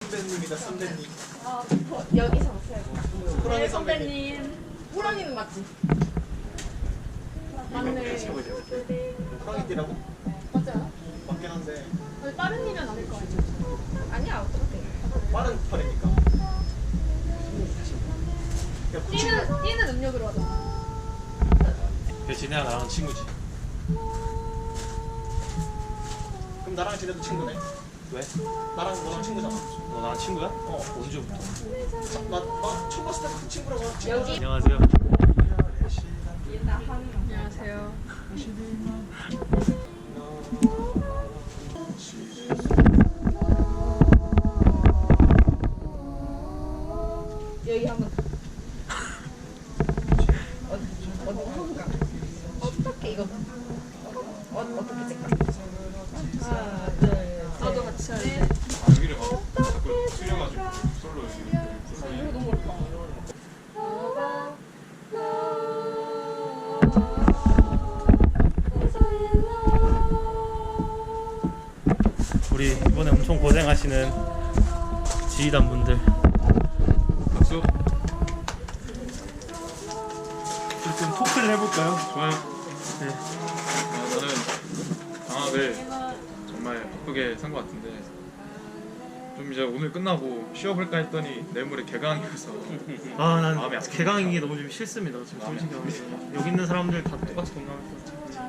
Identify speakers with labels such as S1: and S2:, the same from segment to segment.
S1: 선배님이다 선배님.
S2: 여기서 오세요.
S1: 호랑이 선배님.
S2: 선배님. 호랑이는 맞지? 맞네.
S1: 호랑이띠라고?
S2: 맞지 않아?
S1: 맞긴 한데
S2: 다른 일은 아닐 거 아니야? 아니야, 어떡해.
S1: 빠른 팔이니까. 야, 그 친구.
S2: 뛰는 음력으로 하자.
S3: 진혜야 나랑 친구지.
S1: 그럼 나랑 지내도 친구네.
S3: 왜?
S1: 나랑 너랑 친구잖아.
S3: 너 나랑 친구야? 언제부터?
S1: 나 처음 봤을 때 그 친구라고 하지.
S2: 여기
S3: 안녕하세요.
S2: 안녕하세요. 여기 한번 어떻게 이거 어떻게 찍까? 하나, 둘, 셋. 나도 같이 할래.
S4: 여기를 막 자꾸 틀려가지고 솔로
S2: 이거 너무 어렵다.
S3: 우리 이번에 엄청 고생하시는 지휘단 분들.
S4: 박수.
S3: 좀 토크를 해볼까요?
S4: 좋아요.
S3: 네.
S4: 저는 방학을 정말 바쁘게 산 것 같은데 좀 이제 오늘 끝나고 쉬어볼까 했더니 내일 모레 개강이어서
S3: 아, 난
S4: 마음이 아프다.
S3: 개강인 게 너무 좀 싫습니다. 지금
S4: 마음이
S3: 솔직히
S4: 아프다.
S3: 말해서. 여기 있는 사람들 다 똑같이 동감했어.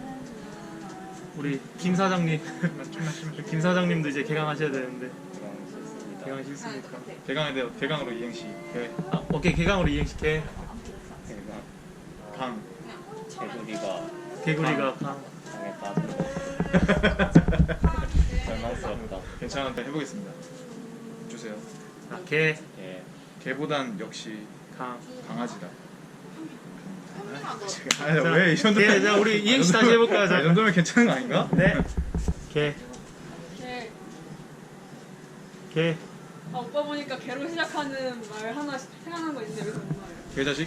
S3: 우리 김 사장님, 김 사장님도 이제 개강하셔야 되는데 개강 싫습니까?
S4: 개강으로 이행시 개,
S3: 아, 오케이 개강으로 이행시 개.
S4: 강.
S3: 개구리가 강.
S4: 절망스럽다. 괜찮은데 해보겠습니다. 주세요.
S3: 아, 개.
S4: 개보단 역시
S3: 강.
S4: 강아지다.
S3: 자,
S4: 왜이 정도면?
S3: 자, 우리 이행시 다시 해볼까요?
S4: 이
S3: 자,
S4: 정도면 괜찮은 거 아닌가?
S3: 네. 개. 개.
S5: 아, 오빠 보니까 개로 시작하는 말 하나 생각난 거 있는데 왜 그런 말이야?
S4: 개자식?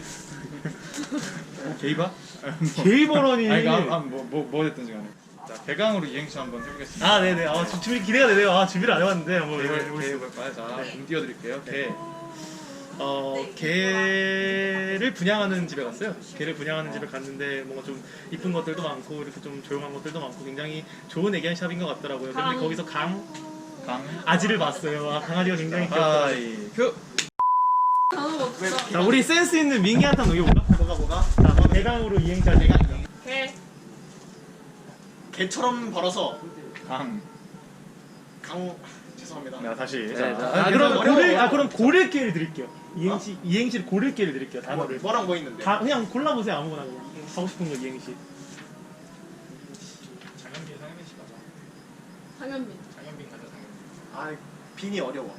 S4: 게이바?
S3: 게이버러니.
S4: 아니 뭐 됐든지 간에. 자, 개강으로 이행시 한번 해보겠습니다.
S3: 아, 네네. 아, 준비 기대가 되네요. 아, 준비를 안 해봤는데 한번
S4: 개
S3: 해보겠습니다.
S4: 해볼까요? 자, 공 띄워드릴게요. 개.
S3: 개를 분양하는 집에 갔어요. 개를 분양하는 집에 갔는데 뭔가 좀 이쁜 것들도 많고 이렇게 좀 조용한 것들도 많고 굉장히 좋은 애견샵인 것 같더라고요. 근데 거기서
S4: 강.
S3: 아지를 봤어요. 아, 강아지가 굉장히 귀엽다.
S4: 그
S5: 단어가 없어.
S3: 자, 우리 센스 있는 민기한테 한번 녹여볼까?
S1: 뭐가?
S3: 자, 개강으로 이행시 하자.
S5: 개.
S1: 개처럼 벌어서
S4: 강.
S1: 죄송합니다.
S4: 자, 다시.
S3: 네,
S4: 자,
S3: 자, 그럼 고를 기회를 드릴게요. 이행시를 고를 기회를 드릴게요. 단어를.
S1: 뭐랑 뭐 있는데?
S3: 그냥 골라보세요. 아무거나 그냥. 하고 싶은 거 이행시.
S5: 장현빈.
S1: 아, 빈이 어려워.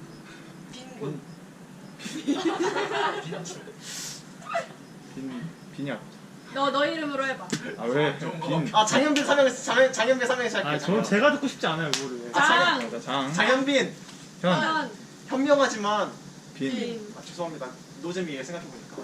S4: 빈이야.
S5: 너 이름으로 해봐.
S4: 아 왜? 빈.
S1: 아, 장현빈 장현빈 삼행시 할게요.
S3: 저는 제가 듣고 싶지 않아요. 그거를.
S5: 장.
S4: 자, 장.
S1: 장현빈.
S4: 현.
S1: 현명하지만
S4: 빈.
S1: 죄송합니다. 노잼이에요 생각해보니까.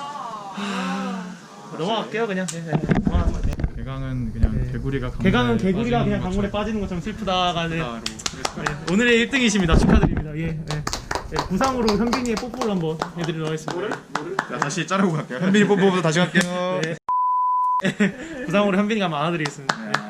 S3: 넘어갈게요 그냥. 넘어갈게요.
S4: 개강은 그냥
S3: 네.
S4: 개구리가
S3: 개강은 개구리가 그냥 강물에 빠지는 것처럼 슬프다가 네. 오늘의 1등이십니다. 축하드립니다. 예, 예. 예, 부상으로 현빈이의 뽀뽀를 한번 해드리도록 하겠습니다.
S4: 자, 다시 자르고 갈게요. 현빈이 뽀뽀부터 다시 갈게요.
S3: 네. 부상으로 현빈이가 한번 안아드리겠습니다.
S4: 네.